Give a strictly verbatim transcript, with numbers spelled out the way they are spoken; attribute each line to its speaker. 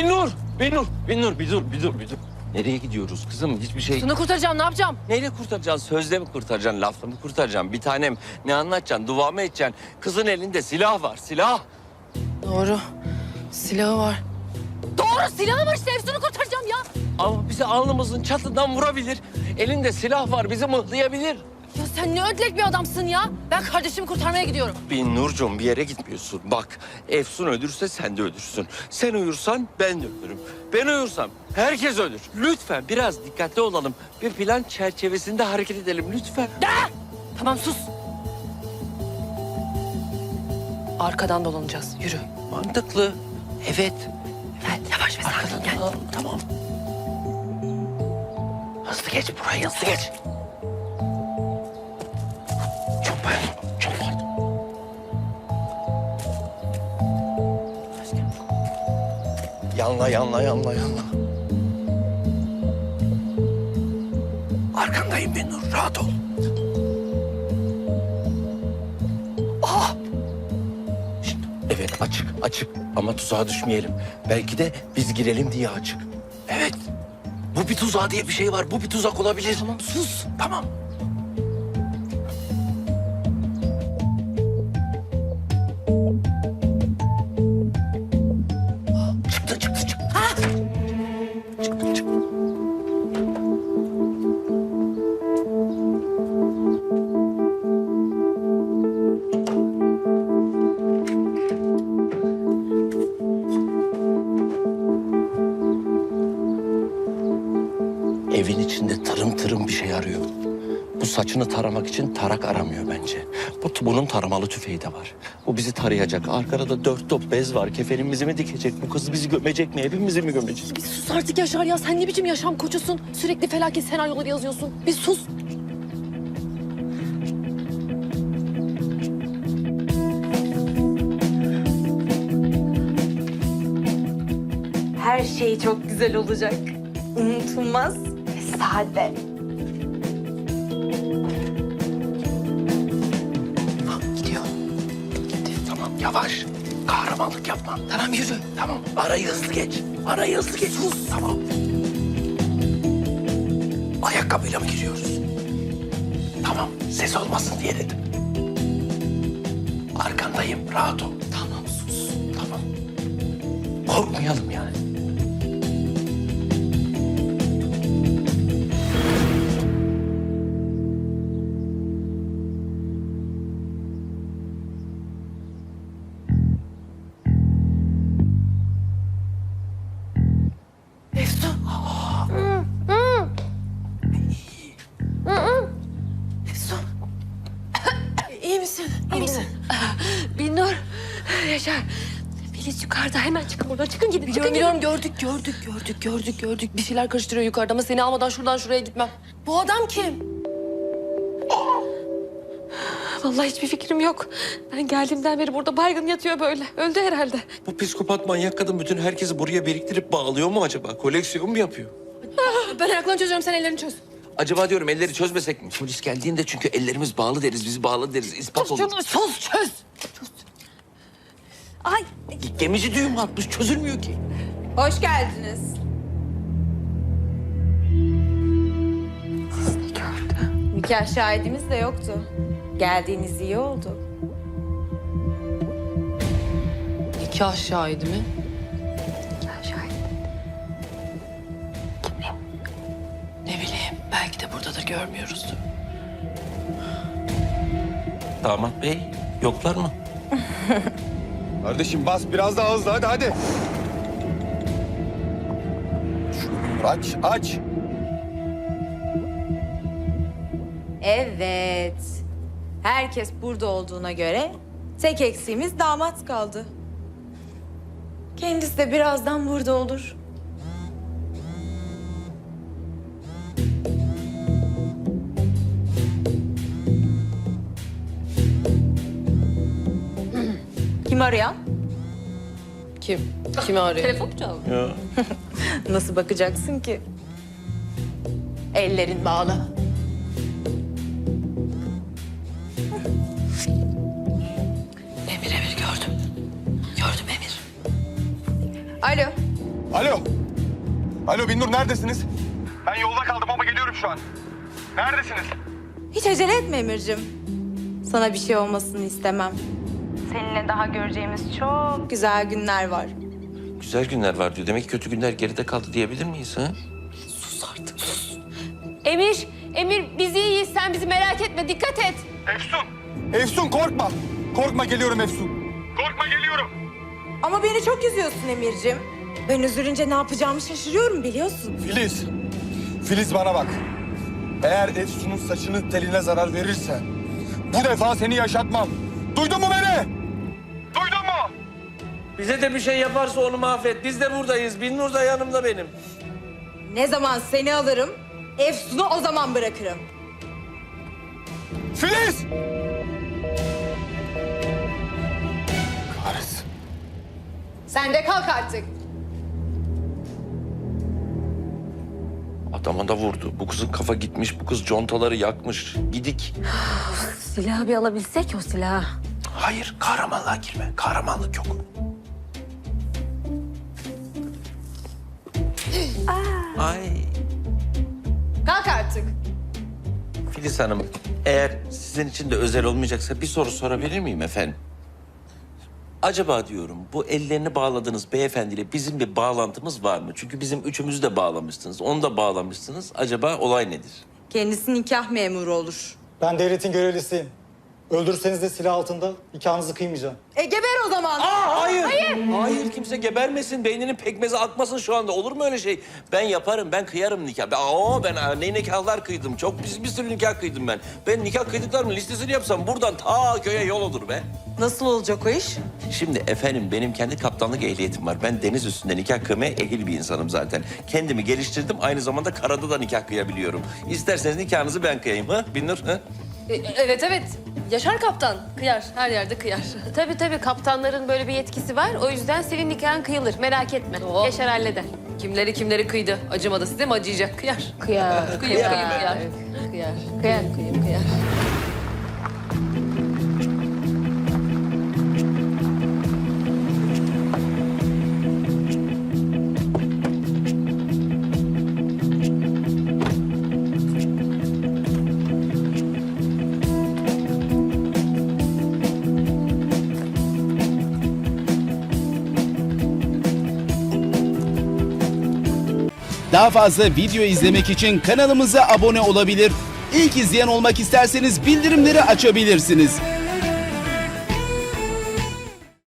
Speaker 1: Binnur, Binnur, Binnur bir dur, bir dur, bir dur. Nereye gidiyoruz kızım? Hiçbir şey...
Speaker 2: Şunu kurtaracağım, ne yapacağım?
Speaker 1: Neyle kurtaracaksın? Sözle mi kurtaracaksın? Lafla mı kurtaracaksın? Bir tanem ne anlatacaksın? Dua mı edeceksin? Kızın elinde silah var, silah.
Speaker 2: Doğru. Silahı var. Doğru, silahı var işte. Efsun'u kurtaracağım ya.
Speaker 1: Ama bizi alnımızın çatından vurabilir. Elinde silah var, bizi mıhlayabilir.
Speaker 2: Ya sen ne ödlek bir adamsın ya. Ben kardeşimi kurtarmaya gidiyorum.
Speaker 1: Binnurcuğum bir yere gitmiyorsun. Bak Efsun ölürse sen de ölürsün. Sen uyursan ben de ölürüm. Ben uyursam herkes ölür. Lütfen biraz dikkatli olalım. Bir plan çerçevesinde hareket edelim lütfen.
Speaker 2: De! Tamam sus. Arkadan dolanacağız. Yürü.
Speaker 1: Mantıklı. Evet.
Speaker 2: Evet, yavaş ve sakin gel.
Speaker 1: Tamam, tamam. Hızlı geç burayı, hızlı geç. Çok pardon, çok pardon. Yanla, yanla, yanla, yanla. Arkandayım Binnur, rahat ol. Ah! Şişt, evet, açık, açık. Ama tuzağa düşmeyelim. Belki de biz girelim diye açık. Evet. Bu bir tuzağı diye bir şey var. Bu bir tuzak olabilir. Tamam, sus. Tamam. Çıktı, çıktı, çıktı. Ha! Çıktı, çıktı. Evin içinde tırım tırım bir şey arıyor. Bu saçını taramak için tarak aramıyor bence. Bu, bunun taramalı tüfeği de var. Bu bizi tarayacak. Arkada da dört top bez var. Kefenimizi mi dikecek? Bu kız bizi gömecek mi? Evimizi mi gömecek?
Speaker 2: Bir sus artık Yaşar ya. Sen ne biçim yaşam koçusun? Sürekli felaket senaryoları yazıyorsun. Bir sus.
Speaker 3: Her şey çok güzel olacak. Unutulmaz ve sade.
Speaker 1: Ha, gidiyor. Gitti. Tamam yavaş. Kahramanlık yapma. Tamam yürü. Tamam. Arayı hızlı geç. Arayı hızlı geç. Sus. Tamam. Ayakkabıyla mı giriyoruz? Tamam. Ses olmasın diye dedim. Arkandayım. Rahat ol. Tamam sus. Tamam. Korkmayalım yani.
Speaker 2: Efsun. Efsun. İyi misin? İyi misin?
Speaker 4: Binnur, Yaşar. Filiz yukarıda. Hemen çıkın buradan. Çıkın gidin.
Speaker 2: Biliyorum
Speaker 4: Çıkın
Speaker 2: biliyorum gördük gördük gördük gördük gördük. Bir şeyler karıştırıyor yukarıda ama seni almadan şuradan şuraya gitmem. Bu adam kim?
Speaker 4: gidin. Vallahi hiçbir fikrim yok. Ben geldiğimden beri burada baygın yatıyor böyle. Öldü herhalde.
Speaker 1: Bu psikopat manyak kadın bütün herkesi buraya biriktirip bağlıyor mu acaba? Koleksiyon mu yapıyor?
Speaker 2: Ben ayaklarını çözüyorum, sen ellerini çöz.
Speaker 1: Acaba diyorum elleri çözmesek mi? Polis geldiğinde çünkü ellerimiz bağlı deriz, bizi bağlı deriz. İspat olur.
Speaker 2: Şunu çöz çöz.
Speaker 4: Ay
Speaker 1: Gemici düğüm atmış, çözülmüyor ki.
Speaker 3: Hoş geldiniz. Nikah şahidimiz de yoktu. Geldiğiniz iyi oldu.
Speaker 2: Nikah şahidi mi?
Speaker 4: nikah şahidi.
Speaker 2: Ne bileyim, belki de buradadır, görmüyoruzdur.
Speaker 1: Damat bey, yoklar mı?
Speaker 5: Kardeşim bas biraz daha hızlı hadi hadi. Aç aç.
Speaker 3: Evet. Herkes burada olduğuna göre tek eksiğimiz damat kaldı. Kendisi de birazdan burada olur. Kim arayan?
Speaker 2: Kim? Kimi arıyor?
Speaker 4: Telefon mu çaldı?
Speaker 1: Ya.
Speaker 3: Nasıl bakacaksın ki? Ellerin bağlı.
Speaker 2: Emir Emir gördüm. Gördüm Emir.
Speaker 3: Alo.
Speaker 5: Alo. Alo Binnur neredesiniz? Ben yolda kaldım ama geliyorum şu an. Neredesiniz?
Speaker 3: Hiç acele etme Emir'cim. Sana bir şey olmasını istemem. Seninle daha göreceğimiz çok güzel günler var.
Speaker 1: Güzel günler var diyor. Demek ki kötü günler geride kaldı diyebilir miyiz ha?
Speaker 4: Emir, Emir biz iyiyiz. Sen bizi merak etme. Dikkat et.
Speaker 5: Efsun. Efsun korkma. Korkma geliyorum Efsun. Korkma geliyorum.
Speaker 3: Ama beni çok üzüyorsun Emir'cim. Ben üzülünce ne yapacağımı şaşırıyorum biliyorsun.
Speaker 5: Filiz. Filiz bana bak. Eğer Efsun'un saçının teline zarar verirsen bu defa seni yaşatmam. Duydun mu beni? Duydun mu?
Speaker 1: Bize de bir şey yaparsa onu mahvet. Biz de buradayız. Binnur da yanımda benim.
Speaker 3: Ne zaman seni alırım, Efsun'u o zaman bırakırım.
Speaker 5: Filiz! Kahretsin.
Speaker 3: Sen de kalk artık.
Speaker 1: Adama da vurdu. Bu kızın kafa gitmiş. Bu kız contaları yakmış. Gidik.
Speaker 4: Silahı bir alabilsek o silahı.
Speaker 1: Hayır, kahramanlığa girme. Kahramanlık yok. Ay.
Speaker 3: Kalk artık.
Speaker 1: Filiz Hanım, eğer sizin için de özel olmayacaksa bir soru sorabilir miyim efendim? Acaba diyorum bu ellerini bağladığınız beyefendiyle bizim bir bağlantımız var mı? Çünkü bizim üçümüzü de bağlamışsınız, onu da bağlamışsınız. Acaba olay nedir?
Speaker 3: Kendisi nikah memuru olur.
Speaker 6: Ben devletin görevlisiyim. Öldürürseniz de silah altında nikahınızı kıymayacağım.
Speaker 3: E geber o zaman.
Speaker 1: Aa, hayır. hayır. Hayır, kimse gebermesin. Beyninin pekmezi akmasın şu anda. Olur mu öyle şey? Ben yaparım, ben kıyarım nikah. Ben, aa, ben ne nikahlar kıydım. Çok bir, bir sürü nikah kıydım ben. Ben nikah kıydıklarımın listesini yapsam buradan ta köye yol olur be.
Speaker 3: Nasıl olacak o iş?
Speaker 1: Şimdi efendim benim kendi kaptanlık ehliyetim var. Ben deniz üstünde nikah kıymaya ehil bir insanım zaten. Kendimi geliştirdim. Aynı zamanda karada da nikah kıyabiliyorum. İsterseniz nikahınızı ben kıyayım ha Binnur ha?
Speaker 2: E, evet evet. Yaşar kaptan. Kıyar. Her yerde kıyar.
Speaker 4: Tabii tabii kaptanların böyle bir yetkisi var. O yüzden senin nikahın kıyılır. Merak etme.
Speaker 2: Oo.
Speaker 4: Yaşar halleder.
Speaker 2: Kimleri kimleri kıydı. Acımadı size mi acıyacak? Kıyar.
Speaker 4: Kıyar.
Speaker 2: Kıyar. Kıyar. Kıyar.
Speaker 4: Kıyar.
Speaker 2: Kıyım kıyar.
Speaker 7: Daha fazla video izlemek için kanalımıza abone olabilir. İlk izleyen olmak isterseniz bildirimleri açabilirsiniz.